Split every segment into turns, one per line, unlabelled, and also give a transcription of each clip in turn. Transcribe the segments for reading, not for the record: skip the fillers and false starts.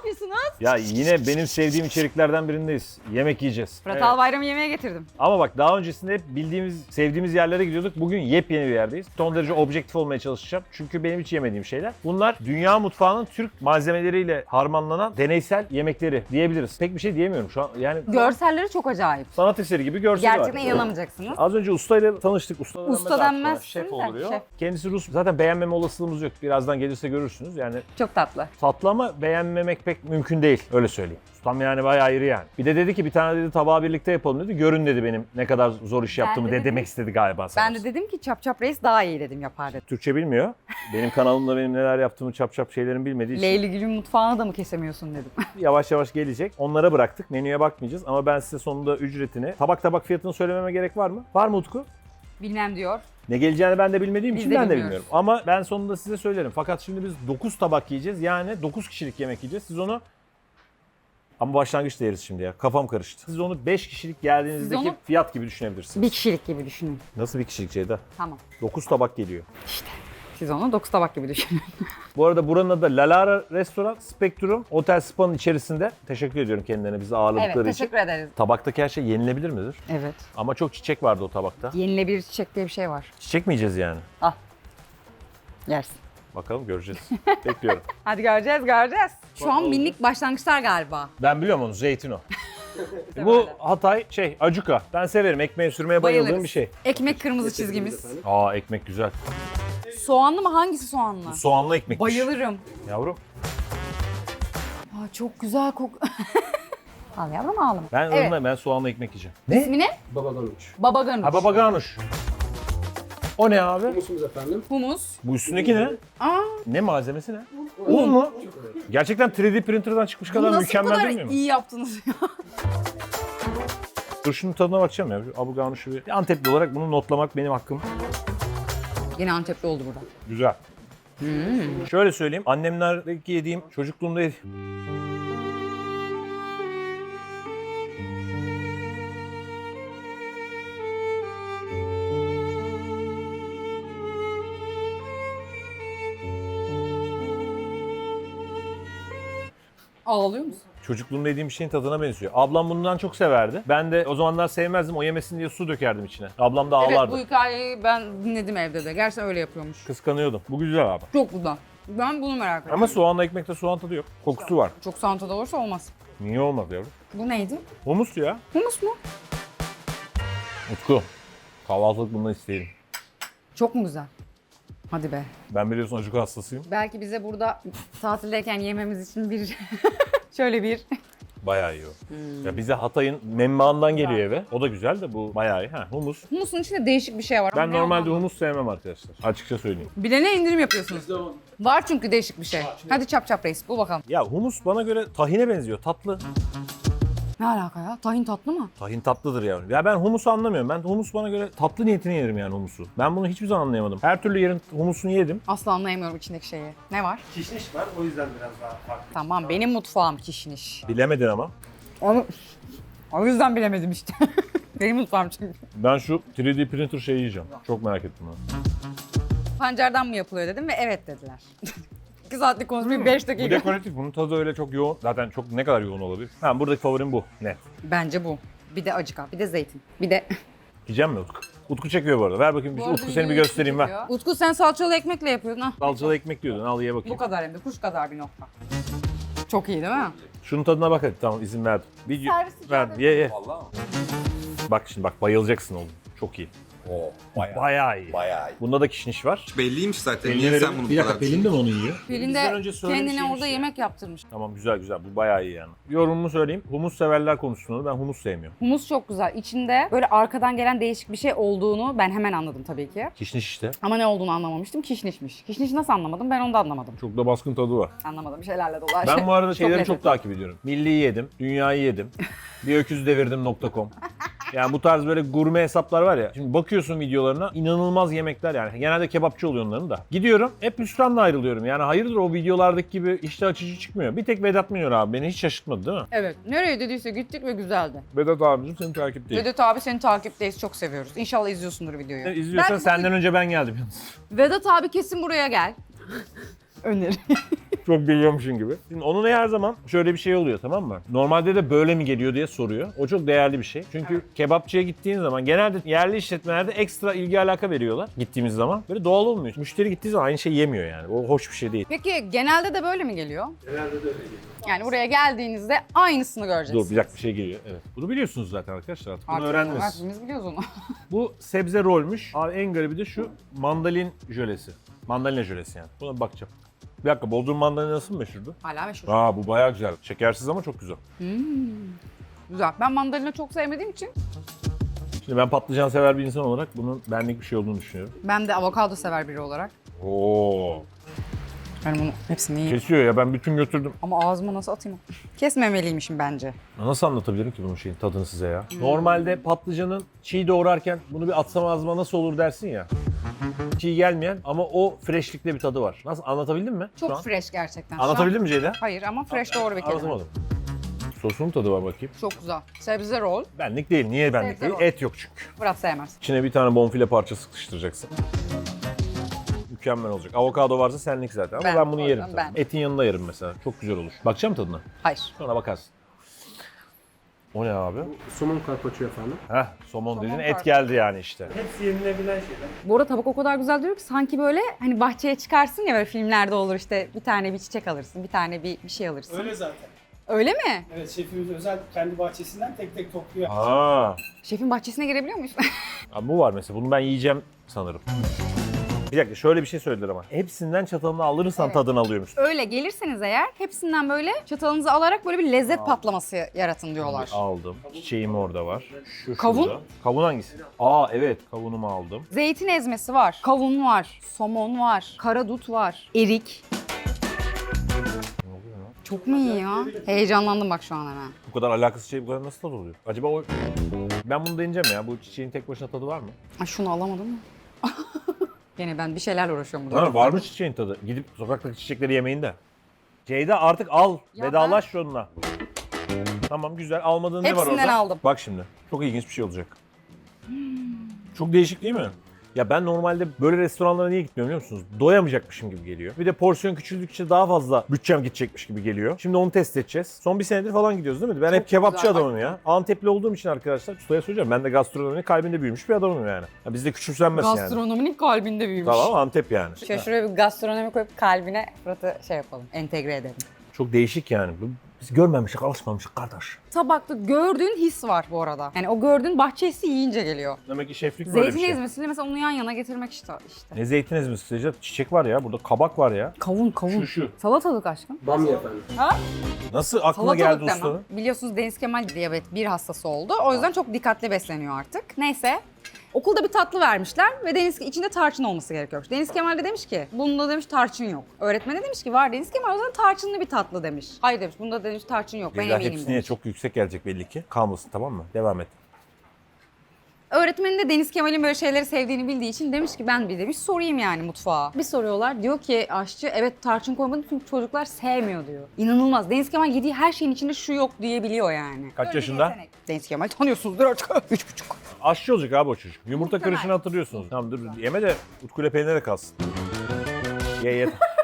yapıyorsunuz?
Ya yine benim sevdiğim içeriklerden birindeyiz. Yemek yiyeceğiz.
Fırat
Evet.
Albayram'ı yemeğe getirdim.
Ama bak daha öncesinde hep bildiğimiz, sevdiğimiz yerlere gidiyorduk. Bugün yepyeni bir yerdeyiz. Son derece objektif olmaya çalışacağım. Çünkü benim hiç yemediğim şeyler. Bunlar dünya mutfağının Türk malzemeleriyle harmanlanan deneysel yemekleri diyebiliriz. Pek bir şey diyemiyorum şu an. Yani
Görselleri çok acayip.
sanat eseri gibi görseli var.
Gerçekten inanamayacaksınız.
Az önce ustayla tanıştık.
Usta denmez.
Şef
de,
oluyor.
şef.
Kendisi Rus. Zaten beğenmeme olasılığımız yok. Birazdan gelirse görürsünüz. Yani
Çok tatlı.
tatlı ama beğenmemek pek mümkün değil. Öyle söyleyeyim. Ustam yani bayağı ayrı yani. Bir de dedi ki bir tane dedi tabağı birlikte yapalım dedi. Görün dedi benim ne kadar zor iş yaptığımı
de
de
dedim-
demek istedi galiba sana.
Ben de dedim ki Çap Çap Reis daha iyi dedim yapar dedim.
Türkçe bilmiyor. Benim kanalımda benim neler yaptığımı çap çap şeylerin bilmediği için
Leyli Gül'ün mutfağını da mı kesemiyorsun dedim.
yavaş yavaş gelecek. Onlara bıraktık. Menüye bakmayacağız ama ben size sonunda ücretini, tabak fiyatını söylememe gerek var mı? Var mı Utku?
Bilmem diyor.
Ne geleceğini ben de bilmediğim
Biz
için
de
ben de
bilmiyoruz.
bilmiyorum. Ama ben sonunda size söylerim. Fakat şimdi biz 9 tabak yiyeceğiz. Yani 9 kişilik yemek yiyeceğiz. Siz onu... Ama başlangıçta yeriz şimdi ya. Kafam karıştı. Siz onu 5 kişilik geldiğinizdeki
Siz onu-
fiyat gibi düşünebilirsiniz.
Bir kişilik gibi düşünün.
Nasıl bir kişilik Ceyda?
Tamam.
9 tabak geliyor.
Siz onu 9 tabak gibi düşünün.
Bu arada buranın adı La Lara Restoran Spectrum Otel Spa'nın içerisinde. Teşekkür ediyorum kendilerine bizi ağırladıkları
Evet,
için.
teşekkür ederiz.
Tabaktaki her şey yenilebilir midir?
Evet.
Ama çok çiçek vardı o tabakta.
Yenilebilir çiçek diye bir şey var.
Çiçek mi yiyeceğiz yani?
Al. Yersin.
Bakalım göreceğiz. Bekliyorum.
Hadi göreceğiz. Şu an minik başlangıçlar galiba.
Ben biliyorum onu, zeytin o. Bu Hatay acuka. Ben severim. Ekmeğe sürmeye bayıldığım
Bayılırız.
bir şey.
Ekmek kırmızı çizgimiz.
Aa ekmek güzel.
Soğanlı mı? Hangisi soğanlı?
Soğanlı ekmekmiş.
Bayılırım.
Yavrum.
Aa, çok güzel Al yavrum ağlama.
Ben
Evet.
ben soğanlı ekmek yiyeceğim. Ne?
İsmi ne?
Baba Ganuç.
Baba Ganuş.
Ha baba ganuş. O ne abi?
Humusumuz efendim.
Humus.
Bu üstündeki ne?
Aa,
Ne malzemesi ne? Un mu? Gerçekten 3D printer'dan çıkmış kadar
nasıl bu
mükemmel
kadar
değil mi?
iyi yaptınız ya?
Dur şunun tadına bakacağım ya. Şu Abu Ganuş'u bir Antepli olarak bunu notlamak benim hakkım.
Yine Antepli oldu burada.
Güzel. Şöyle söyleyeyim. Annemlerdeki yediğim, çocukluğumda yediğim...
Ağlıyor musun?
Çocukluğumda yediğim bir şeyin tadına benziyor. Ablam bundan çok severdi. Ben de o zamanlar sevmezdim. O yemesin diye su dökerdim içine. Ablam da ağlardı.
Evet, bu hikayeyi ben dinledim evde de. Gerçekten öyle yapıyormuş.
Kıskanıyordum. Bu güzel abi.
Çok güzel. Ben bunu merak ediyorum.
Ama soğanla ekmekte soğan tadı yok. Kokusu var.
Çok santada olursa olmaz.
Niye olmaz yavrum?
Bu neydi?
Humus ya.
Humus mu?
Utku. Kahvaltılık bundan isteyelim.
Çok mu güzel? Hadi be.
Ben biliyorsun acık hastasıyım.
Belki bize burada tatildeyken yememiz için bir şöyle bir
Bayağı iyi o. Ya bize Hatay'ın menbaından geliyor eve. O da güzel de bu bayağı iyi. Ha, humus.
humusun içinde değişik bir şey var.
Ben
Ama ne
normalde
olduğunu-
humus sevmem arkadaşlar. Açıkça söyleyeyim.
Bilene indirim yapıyorsunuz. Var çünkü değişik bir şey. Hadi Çap Çap Reis bul bakalım.
Ya humus bana göre tahine benziyor. Tatlı.
Ne alaka ya? Tahin tatlı mı?
Tahin tatlıdır yani. Ya ben humusu anlamıyorum. Ben humus bana göre tatlı niyetine yerim yani humusu. Ben bunu hiçbir zaman anlayamadım. Her türlü yerin humusunu yedim.
Asla anlayamıyorum içindeki şeyi. Ne var?
Kişniş var o yüzden biraz daha farklı.
Tamam benim mutfağım kişniş.
Bilemedin ama.
Onu o yüzden bilemedim işte. benim mutfağım çünkü.
Ben şu 3D printer şeyi yiyeceğim. Çok merak ettim ben.
Pancardan mı yapılıyor dedim ve evet dediler. 2 saatlik konuşmayı 5
Bu
dakika.
dekoratif. Bunun tadı öyle çok yoğun. Zaten çok ne kadar yoğun olabilir? Ha buradaki favorim bu. Net.
Bence bu. Bir de acıka, bir de zeytin. Bir de...
Yiyeceğim mi Utku? Utku çekiyor bu arada. Ver bakayım.
Bu arada
Utku seni bir
videoyu
göstereyim ver.
çekiyor. Utku sen salçalı ekmekle yapıyordun ha.
Salçalı ekmek diyordun. Al ye bakayım.
Bu kadar hem de kuş kadar bir nokta. Çok iyi değil mi?
Şunun tadına bak hadi. Tamam izin verdim. Bir
Servis
verdim.
icabı.
Ye.
Vallahi mı?
Bak şimdi bak bayılacaksın oğlum. Çok iyi.
Oo, bayağı.
Bayağı iyi.
Bayağı iyi.
Bunda da kişniş var.
Belliymiş zaten. Niye sen bunu bu kadar
Pelin de mi onu yiyor?
Pelin
Bizden
de
önce söylemiş
kendine
şeymiş
orada
ya.
yemek yaptırmış.
Tamam güzel güzel. Bu bayağı iyi yani. Yorumumu söyleyeyim. Humus severler konusunda ben humus sevmiyorum.
Humus çok güzel. İçinde böyle arkadan gelen değişik bir şey olduğunu ben hemen anladım tabii ki.
Kişniş işte.
Ama ne olduğunu anlamamıştım. Kişnişmiş. Kişnişi nasıl anlamadım? Ben onu da anlamadım.
Çok da baskın tadı var.
Anlamadım. Bir şeylerle dolar.
Ben bu arada şeyleri çok
lezzetli.
takip ediyorum. Milli'yi yedim, Dünya'yı yedim, biröküzdevirdim.com. Yani bu tarz böyle gurme hesaplar var ya. Şimdi bakıyorsun videolarına inanılmaz yemekler yani. Genelde kebapçı oluyor onların da. Gidiyorum hep hüsranla ayrılıyorum. Yani hayırdır o videolardaki gibi iştah açıcı çıkmıyor. Bir tek Vedat Minör abi beni hiç şaşırtmadı değil mi?
Evet. Nereye dediyse gittik ve güzeldi.
Vedat abicim seni takipteyim.
Vedat abi seni takipteyiz. Çok seviyoruz. İnşallah izliyorsundur videoyu.
İzliyorsan
Belki
senden önce ben geldim yalnız.
Vedat abi kesin buraya gel. Öneri.
Çok biliyormuşsun gibi. Şimdi onun her zaman şöyle bir şey oluyor, tamam mı? Normalde de böyle mi geliyor diye soruyor. O çok değerli bir şey. Çünkü kebapçıya gittiğin zaman genelde yerli işletmelerde ekstra ilgi alaka veriyorlar gittiğimiz zaman. Böyle doğal olmuyor. Müşteri gittiği zaman aynı şey yemiyor yani. O hoş bir şey değil.
Peki genelde de böyle mi geliyor?
Genelde de öyle geliyor.
Yani buraya geldiğinizde aynısını göreceksiniz.
Dur bir dakika, bir şey geliyor. Evet. Bunu biliyorsunuz zaten arkadaşlar artık. Bunu öğrendiniz.
Hepimiz biliyoruz onu.
Bu sebze rolmüş. Abi en garibi de şu mandalin jölesi. Mandalina jölesi yani. Buna bir bakacağım. Bir dakika, Bodrum mandalinası mı meşhurdu?
Hala meşhur.
Aa, bu bayağı güzel. Şekersiz ama çok güzel.
Güzel. Ben mandalina çok sevmediğim için
Şimdi ben patlıcan sever bir insan olarak bunun benlik bir şey olduğunu düşünüyorum.
ben de avokado sever biri olarak.
Oo.
Ben bunu hepsini yiyeyim.
Kesiyor ya, ben bütün götürdüm.
Ama ağzıma nasıl atayım? Kesmemeliymişim bence.
Nasıl anlatabilirim ki bunun şeyin tadını size ya? Normalde patlıcanın çiğ doğrarken bunu bir atsam ağzıma nasıl olur dersin ya. Çiğ gelmeyen ama o freshlikte bir tadı var. Nasıl, anlatabildim mi? şu
Çok
an?
fresh gerçekten. Şu an-
Anlatabildim mi Ceyda?
Hayır ama fresh doğru bir kelime.
Anlatamadım. Sosunun tadı var bakayım.
Çok güzel. Sebze roll.
Benlik değil. Niye benlik
Sebze
değil?
var.
Et yok çünkü.
Murat sevmez.
İçine bir tane bonfile parçası sıkıştıracaksın. Mükemmel olacak. Avokado varsa senlik zaten ama ben bunu yerim.
ben.
Etin yanında yerim mesela. Çok güzel olur. Bakacağım tadına.
Hayır.
Sonra bakarsın. O ne abi?
Somon karpaccio efendim.
Heh, somon dedin, et
karpuz.
geldi yani işte.
Hepsi yenilebilen şeyler.
Bu arada tabak o kadar güzel duruyor ki sanki böyle hani bahçeye çıkarsın ya böyle filmlerde olur işte bir tane bir çiçek alırsın, bir tane bir şey alırsın.
Öyle zaten.
Öyle mi?
Evet, şefimiz özel kendi bahçesinden tek tek topluyor.
Aa,
Şefin bahçesine girebiliyor muyuz?
abi bu var mesela. Bunu ben yiyeceğim sanırım. Bir dakika, şöyle bir şey söylediler ama. Hepsinden çatalını alırsan
Evet.
tadını alıyormuş.
Öyle gelirseniz eğer hepsinden böyle çatalınızı alarak böyle bir lezzet patlaması yaratın diyorlar.
Aldım. Çiçeğim orada var. Şu
Kavun?
şurada. Kavun hangisi? Aa evet, kavunumu aldım.
Zeytin ezmesi var, kavun var, somon var, karadut var, erik. Çok mu iyi ya? Heyecanlandım bak şu an hemen.
Bu kadar alakasız şey bu kadar nasıl tadı oluyor? Acaba o... Ben bunu deneyeceğim ya. Bu çiçeğin tek başına tadı var mı?
Ay şunu alamadım mı? Gene ben bir şeylerle uğraşıyorum burada.
Ha, var mı çiçeğin tadı? Gidip sokaktaki çiçekleri yemeyin de. Ceyda artık al.
Ya
Vedalaş şununla. Tamam güzel. Almadığın ne var orada?
Hepsinden aldım.
Bak şimdi. Çok ilginç bir şey olacak. Çok değişik değil mi? Ya ben normalde böyle restoranlara niye gitmiyorum biliyor musunuz? Doyamayacakmışım gibi geliyor. Bir de porsiyon küçüldükçe daha fazla bütçem gidecekmiş gibi geliyor. Şimdi onu test edeceğiz. Son bir senedir falan gidiyoruz değil mi? Ben hep kebapçı
güzel.
adamım ya. Antepli olduğum için arkadaşlar ustaya söyleyeceğim. Ben de gastronominin kalbinde büyümüş bir adamım yani. Ya bizde küçümsenmez yani.
Gastronominin kalbinde büyümüş.
Tamam, Antep yani.
Şöyle bir gastronomi koyup kalbine Fırat'ı şey yapalım, entegre edelim.
Çok değişik yani. Biz görmemişik, alışmamışık kardeş.
Tabakta gördüğün his var bu arada. Yani o gördüğün bahçe hissi yiyince geliyor.
Demek ki şeflik böyle bir
Zeytin
şey.
ezmesiyle mesela onu yan yana getirmek işte.
Ne zeytin ezmesi sıcak? Çiçek var ya, burada kabak var ya.
Kavun.
Şu.
Salatalık aşkım.
Bamya efendim.
Nasıl aklına geldi
Salatalık
ustanın?
demem. Biliyorsunuz Deniz Kemal diyabet 1 hastası oldu. O yüzden çok dikkatli besleniyor artık. Neyse. Okulda bir tatlı vermişler ve içinde tarçın olması gerekiyormuş. Deniz Kemal de demiş ki bunda demiş tarçın yok. Öğretmen de demiş ki var Deniz Kemal o zaman tarçınlı bir tatlı demiş. Hayır demiş bunda demiş tarçın yok ben
Ceyda
eminim
hepsine
demiş.
çok yüksek gelecek belli ki. Kalmasın, tamam mı? Devam et.
Öğretmenin de Deniz Kemal'in böyle şeyleri sevdiğini bildiği için demiş ki ben bir demiş sorayım yani mutfağa. Bir soruyorlar diyor ki aşçı evet tarçın koymadım çünkü çocuklar sevmiyor diyor. İnanılmaz. Deniz Kemal yediği her şeyin içinde şu yok diyebiliyor yani.
Kaç
Öyle bir
yaşında?
yetenek. Deniz Kemal tanıyorsunuzdur artık. 3,5.
Aşçı olacak abi o çocuk. Yumurta
Muhtemelen.
kırışını hatırlıyorsunuz. Tamam dur yeme de Utku ile peynire kalsın. Ye.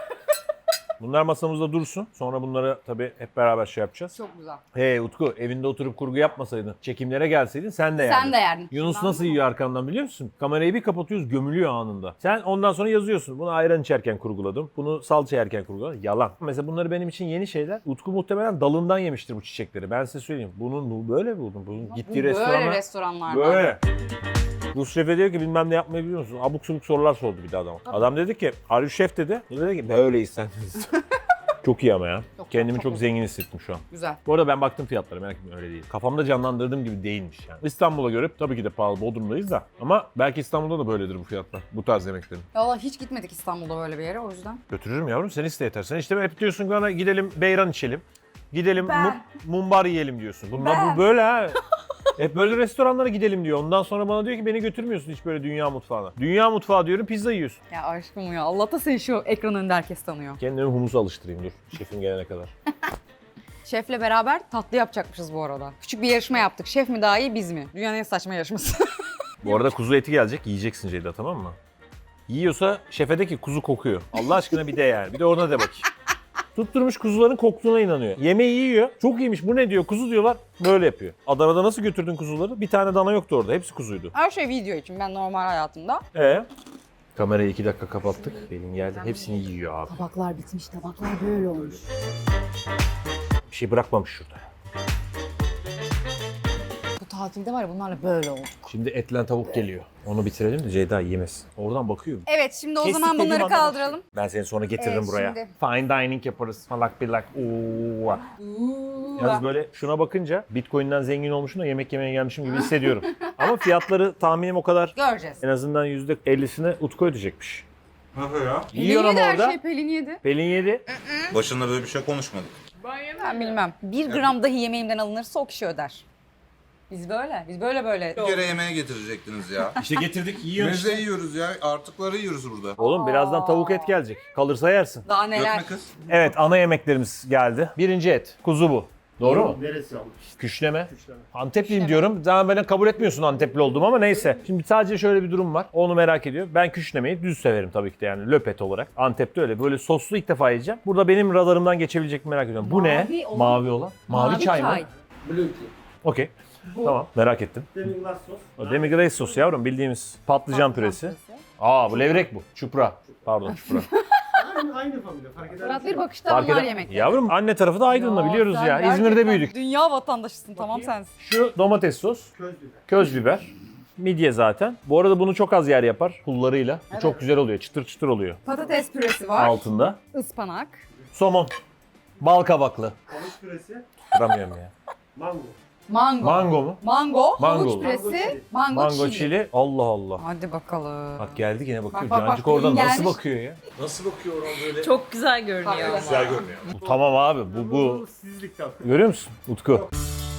Bunlar masamızda dursun. Sonra bunları tabii hep beraber şey yapacağız.
Çok güzel.
Hey Utku, evinde oturup kurgu yapmasaydın, çekimlere gelseydin sen de yerdin.
Sen de yerdin.
Yunus
Anladın
nasıl
mı?
yiyor arkamdan biliyor musun? Kamerayı bir kapatıyoruz, gömülüyor anında. Sen ondan sonra yazıyorsun. Bunu ayran içerken kurguladım. Bunu salça yerken kurguladım. Yalan. Mesela bunları benim için yeni şeyler. Utku muhtemelen dalından yemiştir bu çiçekleri. Ben size söyleyeyim. Bunun böyle buldum. Bunun gittiği
Böyle
restorana
restoranlar var.
böyle. Rus şefe diyor ki bilmem ne yapmayı biliyor musun? Abuk subuk sorular sordu bir de adam. Adam dedi ki are you chef dedi. O dedi ki böyleyiz sen. Çok iyi ama ya. Kendimi çok zengin hissettim şu an.
Güzel.
Bu arada ben baktım fiyatlara, merak etmeyin, öyle değil. Kafamda canlandırdığım gibi değilmiş yani. İstanbul'a göre tabii ki de pahalı, Bodrum'dayız da. Ama belki İstanbul'da da böyledir bu fiyatlar. Bu tarz yemeklerin.
Valla hiç gitmedik İstanbul'da böyle bir yere o yüzden.
Götürürüm yavrum, sen iste yeter. Sen işte hep diyorsun bana gidelim beyran içelim. Gidelim
Ben.
mumbar yiyelim diyorsun. Bunlar
Ben.
bu böyle ha. Hep böyle restoranlara gidelim diyor. Ondan sonra bana diyor ki beni götürmüyorsun hiç böyle dünya mutfağına. Dünya mutfağı diyorum, pizza yiyorsun.
Ya aşkım ya Allah'ta seni şu ekran önünde herkes tanıyor.
Kendimi humusa alıştırayım dur şefim gelene kadar.
Şefle beraber tatlı yapacakmışız bu arada. Küçük bir yarışma yaptık. Şef mi daha iyi biz mi? Dünyanın en saçma yarışması.
Bu arada kuzu eti gelecek, yiyeceksin Ceyda, tamam mı? Yiyorsa şefe de ki kuzu kokuyor. Allah aşkına bir de yani. Bir de ona de bakayım. Tutturmuş kuzuların koktuğuna inanıyor. Yemeği yiyor. Çok iyiymiş bu ne diyor kuzu diyorlar. Böyle yapıyor. Adana'da nasıl götürdün kuzuları? Bir tane dana yoktu orada. Hepsi kuzuydu.
Her şey video için, ben normal hayatımda.
Kamerayı 2 dakika kapattık. Pelin geldi. Hepsini yiyor abi.
Tabaklar bitmiş, tabaklar böyle olmuş.
Bir şey bırakmamış şurada.
Bu tatilde var ya bunlarla böyle oldu.
Şimdi etlen tavuk geliyor. Onu bitirelim de Ceyda yemesin. Oradan bakıyor.
Evet, şimdi o
Kestik
zaman
dediğim
bunları
anda
kaldıralım.
Ben seni sonra getiririm
Evet,
buraya.
şimdi.
Fine dining yaparız. Falak bilak. Oo. Yalnız böyle şuna bakınca Bitcoin'den zengin olmuşum da yemek yemeye gelmişim gibi hissediyorum. Ama fiyatları tahminim o kadar.
Göreceğiz.
En azından %50'sini Utku ödeyecekmiş.
Nasıl ya?
Yiyor
Pelin
ama
yedi her
orada.
şey, Pelin yedi.
Pelin yedi.
Başında böyle bir şey konuşmadık.
Ben bilmem. 1 gram dahi yemeğimden alınırsa o kişi öder. Biz böyle.
Bir kere yemeğe getirecektiniz ya.
İşte getirdik
Biz de yiyoruz ya. Artıkları yiyoruz burada.
Oğlum birazdan tavuk et gelecek. Kalırsa yersin.
Daha neler.
Dökme kız.
Evet ana yemeklerimiz geldi. Birinci et. Kuzu bu. Doğru mu?
Neresi almış?
Küşleme.
Küşleme.
Antepliyim diyorum. Daha beni kabul etmiyorsun Antepli olduğumu ama neyse. Şimdi sadece şöyle bir durum var. Onu merak ediyor. Ben küşlemeyi düz severim tabii ki de yani löpet olarak. Antep'te öyle. Böyle soslu ilk defa yiyeceğim. Burada benim radarımdan geçebilecek mi merak ediyorum. Bu ne?
Mavi olan.
Mavi olan. Mavi çay mı?
Blue tea.
Okey. Tamam merak ettim.
Demi-glace sos.
O demi-glace sos yavrum bildiğimiz patlıcan püresi. Aa bu levrek bu. Çupra. Pardon çupra.
Aynı familya fark eder.
Fırat bir bakışta
Fark
bunlar
eder.
yemek.
Yavrum anne tarafı da Aydın'la biliyoruz
sen
ya. İzmir'de
gerçekten
büyüdük.
Dünya vatandaşısın, tamam sensin.
Şu domates sos.
Köz biber.
Köz biber. Midye zaten. Bu arada bunu çok az yer yapar pullarıyla. Bu çok güzel oluyor. Çıtır çıtır oluyor.
Patates püresi var.
Altında.
Ispanak.
Somon. Bal kabaklı.
Havuç püresi.
Duramıyorum ya.
Mango.
Mango.
Mango mu?
Mango.
Mango.
Havuç püresi.
Mango
Mango,
Mango
çili.
çili. Allah Allah.
Hadi bakalım.
Bak geldi yine bakıyor.
Bak, bak,
Cancık
bak,
oradan
gelmiş.
nasıl bakıyor ya? Nasıl bakıyor oradan böyle?
Çok güzel görünüyor.
Güzel görünüyor. Bu tamam abi. Bu.
Sizlik tabii.
Görüyor musun Utku?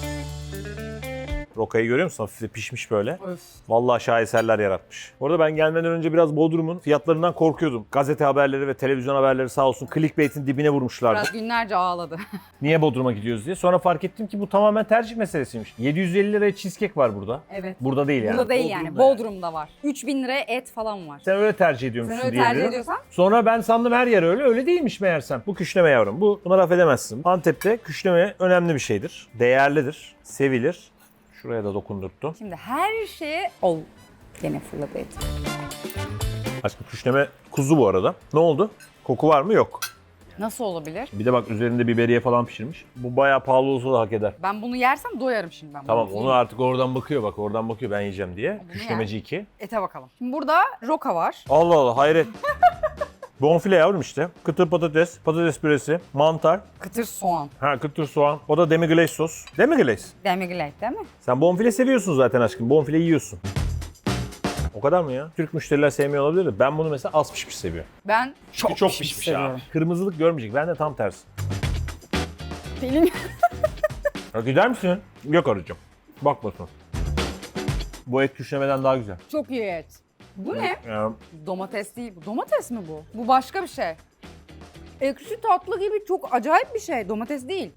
Rokayı görüyor musun? Hafif de pişmiş böyle.
Öf.
Vallahi şaheserler yaratmış. Orada ben gelmeden önce biraz Bodrum'un fiyatlarından korkuyordum. Gazete haberleri ve televizyon haberleri sağ olsun clickbait'in dibine vurmuşlardı.
Fırat günlerce ağladı.
Niye Bodrum'a gidiyoruz diye. Sonra fark ettim ki bu tamamen tercih meselesiymiş. 750 liraya cheesecake var burada.
Evet.
Burada değil yani.
Burada değil yani. Bodrum'da var. 3000 liraya et falan var.
Sen öyle tercih ediyormuşsun
Sen öyle
diye
tercih
biliyorum.
ediyorsan.
Sonra ben sandım her yer öyle. Öyle değilmiş meğersem. Bu küşleme yavrum. Buna laf edemezsin. Antep'te küşleme önemli bir şeydir. Değerlidir. Sevilir. Şuraya da dokundurttum.
Şimdi her şeye... Ol. Gene fırladı et.
Aşkım küşleme kuzu bu arada. Ne oldu? Koku var mı? Yok.
Nasıl olabilir?
Bir de bak üzerinde biberiye falan pişirmiş. Bu bayağı pahalı olsa da hak eder.
Ben bunu yersem doyarım şimdi ben.
Tamam
bunu
onu artık oradan bakıyor bak oradan bakıyor ben yiyeceğim diye.
Bunu
Küşlemeci 2.
Ete bakalım. Şimdi burada roka var.
Allah Allah hayret. Bonfile yavrum işte. Kıtır patates, patates püresi, mantar,
Kıtır soğan.
kıtır soğan. O da demi-glace sos. Demi-glace.
Demi-glace değil mi?
Sen bonfile seviyorsun zaten aşkım. Bonfile yiyorsun. O kadar mı ya? Türk müşteriler sevmiyor olabilir de ben bunu mesela az pişmiş seviyorum.
Ben
Çok pişmiş
seviyorum.
abi. Kırmızılık görmeyecek. Ben de tam tersi.
Pelin.
Ya gider misin? Yok arayacağım. Bakmasın. Bu et küşlemeden daha güzel.
Çok iyi et. Bu ne?
Ya,
Domates değil bu. Domates mi bu? Bu başka bir şey. Ekşi tatlı gibi çok acayip bir şey. Domates değil.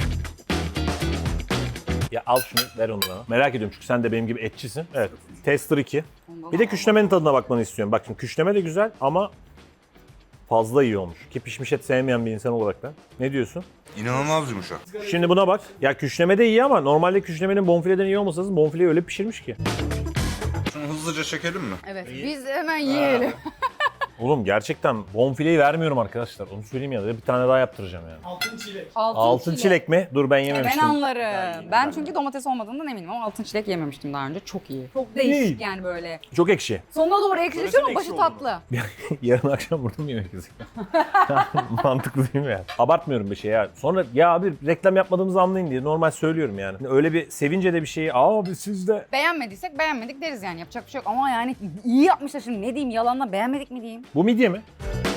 ya al şunu ver onu bana. Merak ediyorum çünkü sen de benim gibi etçisin. Evet. Tester 2. Bir de küşlemenin tadına bakmanı istiyorum. Bak şimdi küşleme de güzel ama fazla iyi olmuş. Ki pişmiş et sevmeyen bir insan olarak ben. Ne diyorsun?
İnanılmaz yumuşak.
Şimdi buna bak. Ya küşleme de iyi ama normalde küşlemenin bonfileden iyi olmasa lazım. Bonfileyi öyle pişirmiş ki.
Şunu hızlıca çekelim mi?
Evet. Biz hemen yiyelim.
Oğlum gerçekten bonfileyi vermiyorum arkadaşlar. Onu söyleyeyim ya da bir tane daha yaptıracağım yani.
Altın çilek.
Altın çilek mi? Dur ben
Ben
yememiştim.
anlarım. Ben çünkü domates olmadığından eminim ama altın çilek yememiştim daha önce. Çok iyi. Çok değişik yani böyle.
Çok ekşi.
Sonuna doğru ekşileşiyor ama başı tatlı.
Yarın akşam burada mı yemek yiyecek? Mantıklı değil mi yani? Abartmıyorum bir şey ya. Sonra ya abi reklam yapmadığımızı anlayın diye normal söylüyorum yani. Öyle bir sevince de bir şeyi abi siz de.
Beğenmediysek beğenmedik deriz yani. Yapacak bir şey yok ama yani iyi yapmışlar şimdi. Ne diyeyim, yalanla beğenmedik mi diyeyim?
Bu midye mi?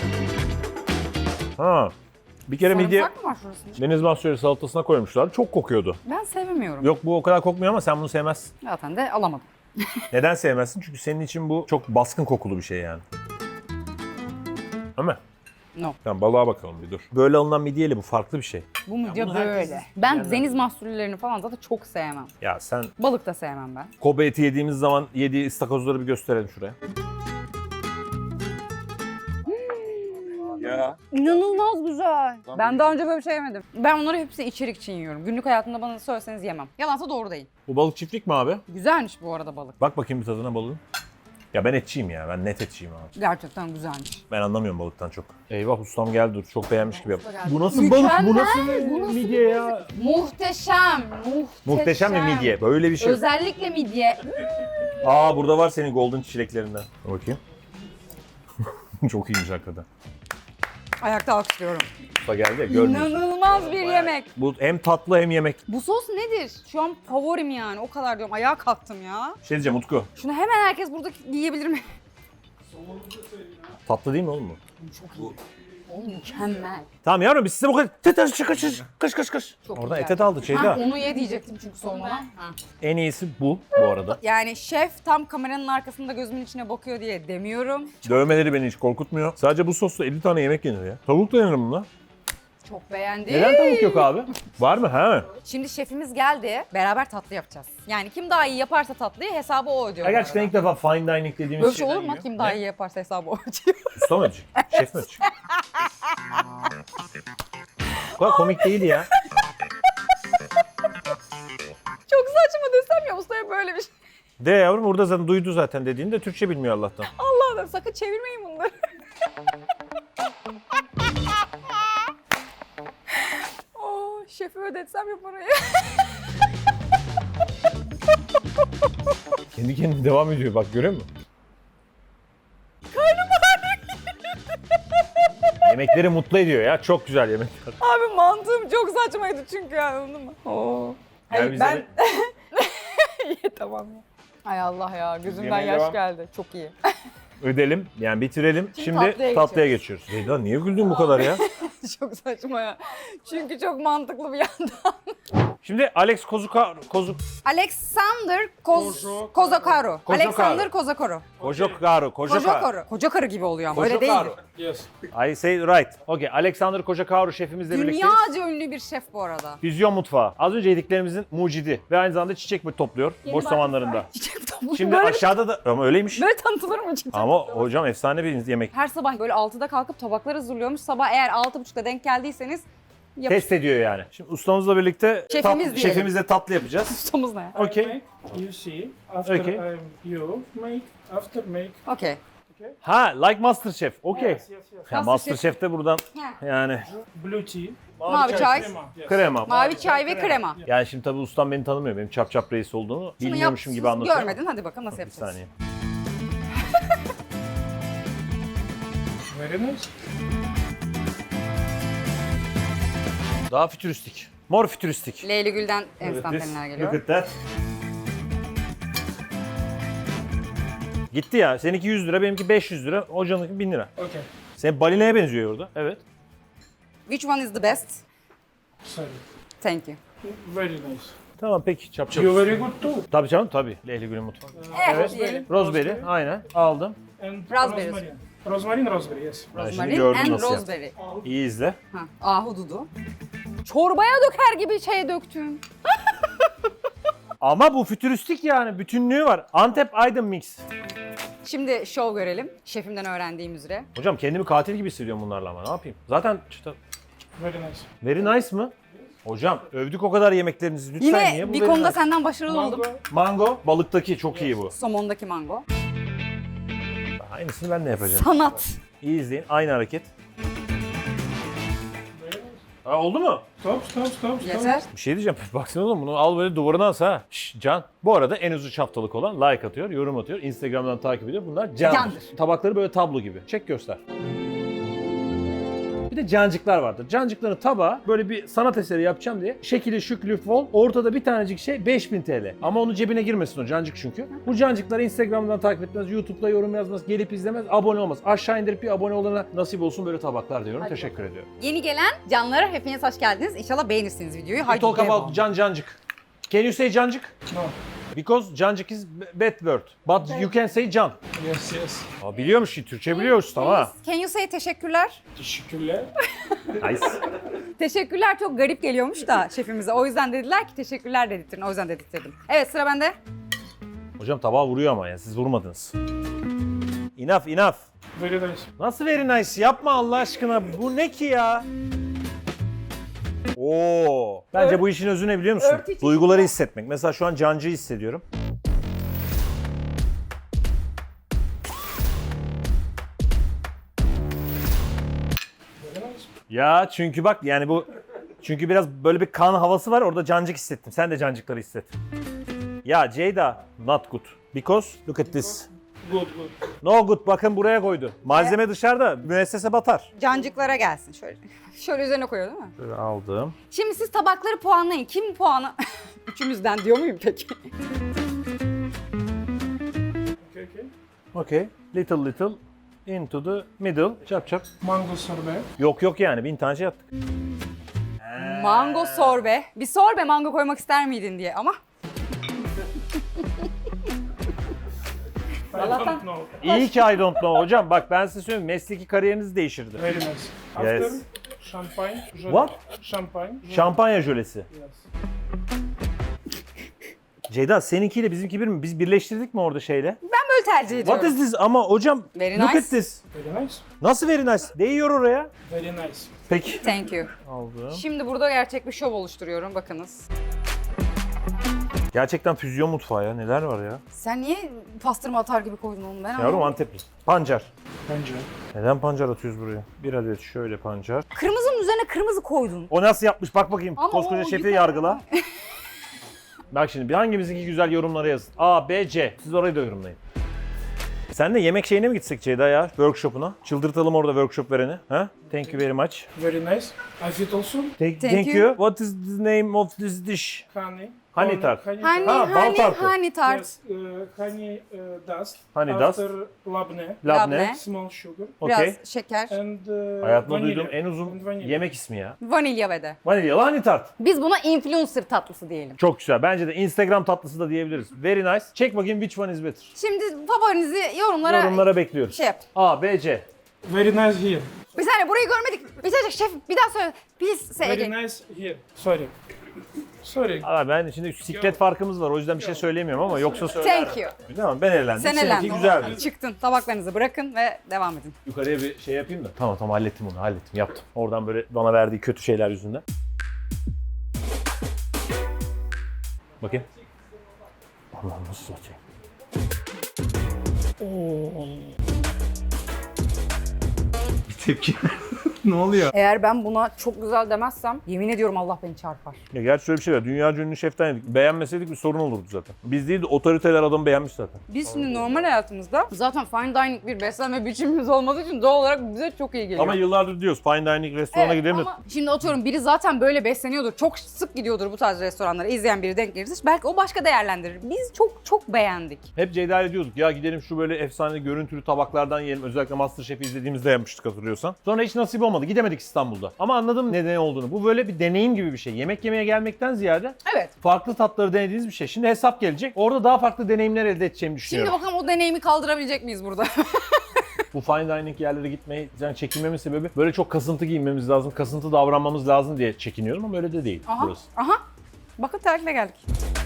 Ha. Bir kere midye
Sarımsak mı var şurasında?
deniz mahsulleri salatasına koymuşlar. Çok kokuyordu.
Ben sevmiyorum.
Yok bu o kadar kokmuyor ama sen bunu sevmezsin.
Zaten de alamadım.
Neden sevmezsin? Çünkü senin için bu çok baskın kokulu bir şey yani. Değil mi?
No.
Tamam balığa bakalım bir dur. Böyle alınan midyeyle bu farklı bir şey.
Bu midye
bunu
böyle.
herkes
Ben deniz mahsullerini falan zaten çok sevmem.
Ya sen
Balık da sevmem ben.
Kobe eti yediğimiz zaman yediği istakozları bir gösterelim şuraya.
ya.
İnanılmaz güzel. Ben daha önce böyle bir şey yemedim. Ben onları hepsi içerik için yiyorum. Günlük hayatımda bana söyleseniz yemem. Yalansa doğru değil.
Bu balık çiftlik mi abi?
Güzelmiş bu arada balık.
Bak bakayım bir tadına balığın. Ya ben etçiyim ya. Ben net etçiyim abi.
Gerçekten güzelmiş.
Ben anlamıyorum balıktan çok. Eyvah ustam geldi dur. Çok beğenmiş gibi yap.
geldi.
Bu nasıl
Mükemmel.
balık? Bu nasıl
Bu nasıl
midye ya?
Muhteşem.
Muhteşem bir midye. Böyle bir şey.
Özellikle midye.
Aa burada var senin golden çileklerinden. Dur bakayım. Çok iyiymiş hakikaten.
Ayakta alkışlıyorum.
Usta geldi ya görmüyorsun.
İnanılmaz bir yemek.
Bu hem tatlı hem yemek.
Bu sos nedir? Şu an favorim yani. O kadar diyorum. Ayağa kalktım ya.
Şey diyeceğim Utku.
Şunu hemen herkes burada yiyebilir mi?
Tatlı değil mi oğlum bu?
O mükemmel.
Tamam yavrum biz size bu kadar... Kış.
Çok
Oradan
güzel.
etet aldı
Ha,
Şeyda.
onu ye diyecektim çünkü sonradan. Ha.
En iyisi bu arada.
Yani şef tam kameranın arkasında gözümün içine bakıyor diye demiyorum.
Dövmeleri beni hiç korkutmuyor. Sadece bu sosla 50 tane yemek yenir ya. Tavuk da yenir bununla.
Çok beğendim.
Neden tavuk yok abi? Var mı? He.
Şimdi şefimiz geldi. Beraber tatlı yapacağız. Yani kim daha iyi yaparsa tatlıyı hesabı o ödüyor.
Ya
bu
gerçekten
arada.
ilk defa fine dining dediğimiz
Böyle bir şey
şeyden
olur mu?
yiyor.
Kim daha
Ne?
iyi yaparsa hesabı o ödüyor.
Usta mı ödeyecek? Şef mi ödeyecek? Bu kadar komik değil ya.
Çok saçma desem ya ustaya böyle bir şey.
De yavrum burada zaten duydu zaten dediğini de Türkçe bilmiyor Allah'tan.
Allah'ım sakın çevirmeyin bunları. Oh, şefi ödetsem ya parayı.
Kendi kendine devam ediyor bak görüyor musun? Yemekleri mutlu ediyor ya. Çok güzel yemekler.
Abi mantığım çok saçmaydı çünkü yani anladın mı? Oo.
Gel
Hayır,
bize
ben...
de-
İyi tamam ya. Ay Allah ya gözümden
Yemeğe
yaş
devam.
geldi. Çok iyi.
Ödelim yani bitirelim. Şimdi
tatlıya
tatlıya geçiyoruz. Zeyda niye güldün bu kadar ya?
Çok saçma ya. Çünkü çok mantıklı bir yandan.
Şimdi Alex
Alexander Kozakaru. Alexander Kozakaru.
Kojakaru.
Koca karı gibi oluyor ama öyle değil.
Yes.
I say right. Okay. Alexander Kojakaru şefimizle birlikteyiz.
Dünyaca ünlü bir şef bu arada.
Füzyon mutfağı. Az önce yediklerimizin mucidi ve aynı zamanda çiçek topluyor boş zamanlarında.
Çiçek topluyor.
Şimdi
böyle,
aşağıda da ama öyleymiş.
böyle tanıtılır mı çiçek?
Ama hocam efsane bir yemek.
Her sabah böyle 6'da kalkıp tabaklar hazırlıyormuş. Sabah eğer 6.30'da denk geldiyseniz
Test ediyor yani. Şimdi ustamızla birlikte
Şefimiz diyelim.
şefimizle tatlı yapacağız.
ustamız ne?
Okay.
Make, you see. After
Okay.
you make, after make.
Okey.
Ha, like Masterchef. Okay.
Yes, yes.
Ya Masterchef de buradan yani
Blue tea.
Mavi çay,
Crema. Yes.
krema.
mavi çay ve krema.
Yani şimdi tabii ustam beni tanımıyor. Benim çap reis olduğunu
Şunu
bilmiyormuşum
yap,
gibi anlatıyor.
görmedin. Hadi bakalım nasıl
Bir
yapacağız.
saniye.
Very nice.
Daha fütüristik. Mor fütüristik.
Leyli Gül'den enstantaneler geliyor.
Look at that. Gitti ya. Seninki 100 lira, benimki 500 lira, hocanınki 1000 lira.
Okay.
Senin balinaya benziyor orada. Evet.
Which one is the best?
Sorry.
Thank you.
Very nice.
Tamam peki çap.
You very good too.
Tabii canım tabii. Leyli Gül'ün mutfağı.
Evet. Diyelim.
Raspberry aynen aldım.
And
Raspberries.
rosemary. Rosemary, raspberry, yes.
Ben şimdi
Rosemary
gördüm
and
nasıl
rosemary.
İyi izle.
Ha, ahududu. Çorbaya döker gibi şey döktün.
Ama bu fütüristik yani. Bütünlüğü var. Antep Aydın mix.
Şimdi şov görelim. Şefimden öğrendiğim üzere.
Hocam kendimi katil gibi hissediyorum bunlarla ama ne yapayım? Zaten
Very nice.
very nice mı? Hocam övdük o kadar yemeklerinizi lütfen niye
Yine
bu
bir
very
konuda
nice?
senden başarılı oldum.
Mango balıktaki çok iyi bu.
Somondaki mango.
Aynısını ben de yapacağım.
Sanat.
İyi izleyin. Aynı hareket. Ha, oldu mu?
Stop, stop, stop, stop.
Yeter.
Bir şey diyeceğim. Baksana oğlum bunu al böyle duvarına as ha. Şşş Can. Bu arada en uzun haftalık olan like atıyor, yorum atıyor. Instagram'dan takip ediyor. Bunlar Can'dır.
Can'dır.
Tabakları böyle tablo gibi. Çek göster. Bir de cancıklar vardır. Cancıkların tabağı böyle bir sanat eseri yapacağım diye şekili şüklü fol ortada bir tanecik şey 5000 TL. Ama onun cebine girmesin o cancık çünkü. Bu cancıkları Instagram'dan takip etmez, YouTube'da yorum yazmaz, gelip izlemez, abone olmaz. Aşağı indirip bir abone olana nasip olsun böyle tabaklar diyorum. Teşekkür ediyorum.
Yeni gelen canlara hepiniz hoş geldiniz. İnşallah beğenirsiniz videoyu. Haydi
Talk
devam.
about cancık. Can you say cancık?
No.
Because cancık is bad word. But you can say can.
Yes, yes.
Aa, biliyormuş ki Türkçe biliyoruz tamam ha.
Can you say teşekkürler?
Teşekkürler.
Nice.
Teşekkürler çok garip geliyormuş da şefimize. O yüzden dediler ki teşekkürler dedirtin. O yüzden dedirttirdim. Evet sıra bende.
Hocam tabağa vuruyor ama ya siz vurmadınız. Enough.
Very nice.
Nasıl very nice? Yapma Allah aşkına. Bu ne ki ya? Oo. Bence bu işin özü ne biliyor musun?
Örtü için-
Duyguları hissetmek. Mesela şu an Cancı'yı hissediyorum.
Very nice.
Ya çünkü bak yani bu çünkü biraz böyle bir kan havası var. Orada cancık hissettim. Sen de cancıkları hisset. Ya Ceyda, not good. Because look at this.
Good.
No good. Bakın buraya koydu. Malzeme dışarıda. Müessese batar.
Cancıklara gelsin şöyle. Şöyle üzerine koyuyor değil mi?
Şöyle aldım.
Şimdi siz tabakları puanlayın. Kim puanı? Üçümüzden diyor muyum peki?
Okay.
Okay. Little into the middle. Çap çap.
Mango sorbet.
Yok yani 1000 tane şey yaptık.
Mango sorbe. Bir sorbe mango koymak ister miydin diye ama.
I
Allah'tan-
don't know.
İyi ki I don't know hocam. Bak ben size söyleyeyim mesleki kariyeriniz değişirdi.
Very nice. After
Yes.
champagne. Jolly.
What?
Champagne. Jolly.
Şampanya jölesi.
Yes.
Ceyda seninkiyle bizimki bir mi? Biz birleştirdik mi orada şeyle?
Ben böyle tercih ediyorum.
What is this? Ama hocam
Very
look
nice.
at this.
Very nice.
Nasıl very nice? Değiyor oraya.
Very nice.
Peki.
Thank you.
Aldım.
Şimdi burada gerçek bir şov oluşturuyorum. Bakınız.
Gerçekten füzyon mutfağı ya. Neler var ya?
Sen niye pastırma atar gibi koydun onu? Ben
Yavrum
anlamadım.
Antepli. Pancar.
Bence.
Neden pancar atıyoruz buraya? Bir adet şöyle pancar.
Kırmızının üzerine kırmızı koydun.
O nasıl yapmış? Bak bakayım.
Ama
Koskoca
o
şefi
güzel.
yargıla. Bak şimdi bir hangimizinki güzel yorumlara yazın. A, B, C. Siz orayı da yorumlayın. Sen de yemek şeyine mi gitsek Ceyda ya? Workshop'una. Çıldırtalım orada workshop vereni. Ha? Thank you very much.
Very nice. I fit also
Thank you. What is the name of this dish?
honey.
Honey tart.
Honey
Hani
Ha, bal tartı.
hani tart.
Yes, honey dust.
Honey
After labne.
Labne.
Small sugar.
Biraz
Okey.
şeker.
And
Hayatımda
vanilla.
duyduğum en uzun
And vanilla.
yemek ismi ya.
Vanilya ve de.
Vanilyalı honey tart.
Biz buna influencer tatlısı diyelim.
Çok güzel. Bence de Instagram tatlısı da diyebiliriz. Very nice. Çek bakayım which one is better.
Şimdi favorinizi yorumlara
Bekliyoruz.
şey yap.
A, B, C.
Very nice here.
Bir saniye burayı görmedik. Bir saniye şef bir daha söyle. Please say
Very
again.
nice here. Sorry. Sorry.
Aa, ben şimdi siklet farkımız var. O yüzden bir şey söyleyemiyorum ama yoksa söylerim.
Thank you.
Tamam ben eğlendim.
Sen
Seninki
elendin.
güzeldi.
Çıktın. Tabaklarınızı bırakın ve devam edin.
Yukarıya bir şey yapayım da. Tamam hallettim onu hallettim yaptım. Oradan böyle bana verdiği kötü şeyler yüzünden. Bakayım. Allah'ım nasıl bakayım. Bir tepki. Ne oluyor?
Eğer ben buna çok güzel demezsem yemin ediyorum Allah beni çarpar.
Ya gerçi şöyle bir şey var. Dünya ünlü şeften yedik. Beğenmeseydik bir sorun olurdu zaten. Biz değil de otoriteler adamı beğenmiş zaten.
Biz şimdi normal hayatımızda zaten fine dining bir beslenme biçimimiz olmadığı için doğal olarak bize çok iyi geliyor.
Ama yıllardır diyoruz fine dining restorana
Evet,
gidelim de.
ama şimdi atıyorum biri zaten böyle besleniyordur. Çok sık gidiyordur bu tarz restoranlara. İzleyen biri denk gelirse belki o başka değerlendirir. Biz çok beğendik.
Hep Ceyda ile diyorduk ya gidelim şu böyle efsane görüntülü tabaklardan yiyelim. Özellikle MasterChef'i izlediğimizde yapmıştık hatırlıyorsan. Sonra hiç nasip olmadı. Gidemedik İstanbul'da. Ama anladım neden olduğunu. Bu böyle bir deneyim gibi bir şey. Yemek yemeye gelmekten ziyade
Evet.
farklı tatları denediğiniz bir şey. Şimdi hesap gelecek. Orada daha farklı deneyimler elde edeceğimi
Şimdi
düşünüyorum.
bakalım o deneyimi kaldırabilecek miyiz burada?
Bu fine dining yerlere gitmeyi yani çekinmemin sebebi böyle çok kasıntı giyinmemiz lazım, kasıntı davranmamız lazım diye çekiniyorum ama öyle de değil
Aha.
burası.
Aha. Bakın terlikle geldik.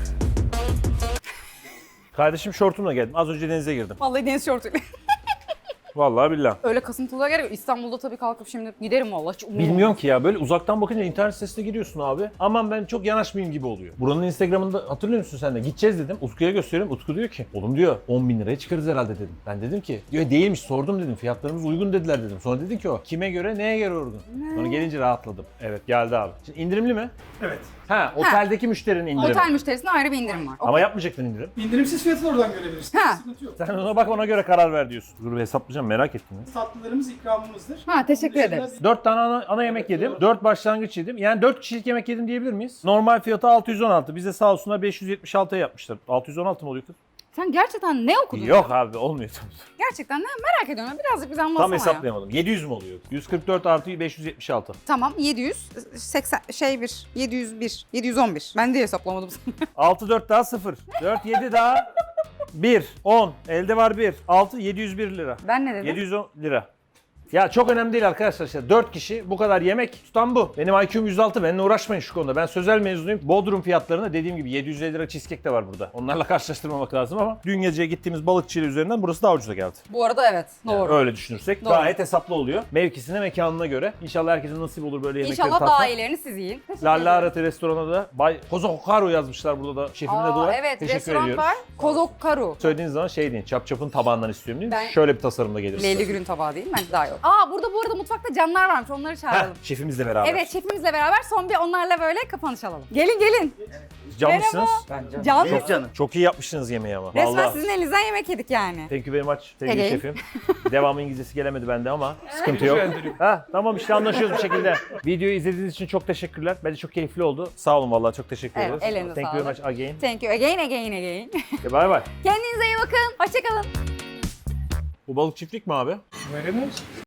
Kardeşim şortumla geldim. Az önce denize girdim.
Vallahi deniz şortuyla.
Vallahi billahi.
Öyle kasıntılığa gerek yok. İstanbul'da tabii kalkıp şimdi giderim vallahi. Hiç umurumda
Bilmiyorum ki ya böyle uzaktan bakınca internet sitesine giriyorsun abi. Aman ben çok yanaşmayayım gibi oluyor. Buranın Instagram'ında hatırlıyor musun sen de? Gideceğiz dedim. Utku'ya gösteriyorum. Utku diyor ki oğlum diyor 10 bin liraya çıkarız herhalde dedim. Ben dedim ki diyor değilmiş sordum dedim. Fiyatlarımız uygun dediler dedim. Sonra dedi ki o kime göre neye göre uygun. Sonra gelince rahatladım. Evet geldi abi. Şimdi indirimli mi?
Evet.
Ha oteldeki müşterinin indirimi.
Otel müşterisine ayrı bir indirim var.
Ama yapmayacaktın indirim.
İndirimsiz fiyatı oradan görebilirsin.
Ha.
Sıkıntı yok.
Sen ona bak ona göre karar ver diyorsun. Dur bir hesaplayacağım merak ettim. Ya.
Tatlılarımız ikramımızdır.
Ha, teşekkür
Bunun dışında
ederiz.
4 tane ana yemek yedim. 4 başlangıç yedim. Yani 4 kişilik yemek yedim diyebilir miyiz? Normal fiyatı 616. Bize sağ olsunlar 576'ya yapmışlar. 616 mı oluyor kız?
Sen gerçekten ne okudun?
Yok abi olmuyor tabii.
Gerçekten ne merak ediyorum. Birazcık bize anlatsana
Tam
ya.
hesaplayamadım. 700 mü oluyor? 144 artı 576.
Tamam 780 701 711. Ben de hesaplamadım.
6 4 daha 0. 4 7 daha 1 10. Elde var 1. 6 701 lira.
Ben ne dedim?
710 lira. Ya çok önemli değil arkadaşlar işte 4 kişi bu kadar yemek tutan bu. Benim IQ'm 106, benimle uğraşmayın şu konuda. Ben sözel mezunuyum. Bodrum fiyatlarına dediğim gibi 750 lira cheesecake de var burada. Onlarla karşılaştırmamak lazım ama dün geceye gittiğimiz balıkçıyla üzerinden burası daha ucuza geldi.
Bu arada evet. Doğru.
Öyle düşünürsek
Doğru.
gayet hesaplı oluyor. Mevkisine, mekanına göre. İnşallah herkesin nasip olur böyle yemekleri
İnşallah
tatmak.
daha iyilerini siz yiyin.
Lalla Arati restorana da Bay Kozo Hokaru yazmışlar burada da. Şefimle de var.
Evet,
Teşekkür
restoran
ediyoruz.
var. Kozokkaru.
Söylediğiniz zaman şey deyin, çapın tabağından istiyorum deyin.
Ben-
Şöyle bir tasarımda gelir.
Leyli Gül'ün tabağı değil mi? Bence daha yok. Burada bu arada mutfakta canlar varmış. Onları
Heh,
çağıralım.
şefimizle beraber.
Evet, şefimizle beraber son bir onlarla böyle kapanış alalım. Gelin gelin.
Can mısınız?
Can
Çok canım.
Çok iyi yapmışsınız yemeği ama.
Resmen
Vallahi.
sizin elinizden yemek yedik yani.
Thank you very much sevgili
Again.
şefim. Devamı İngilizcesi gelemedi bende ama sıkıntı yok.
Rica ederim.
Tamam işte anlaşıyoruz bir şekilde. Videoyu izlediğiniz için çok teşekkürler. Bence çok keyifli oldu. Sağ olun vallahi çok teşekkür
Evet,
ederiz.
ellerinize
Thank you very
sağlık.
much again.
Thank you again again again.
Bye bye.
Kendinize iyi bakın. Hoşçakalın.
Bu balık çiftlik mi abi?
Very nice.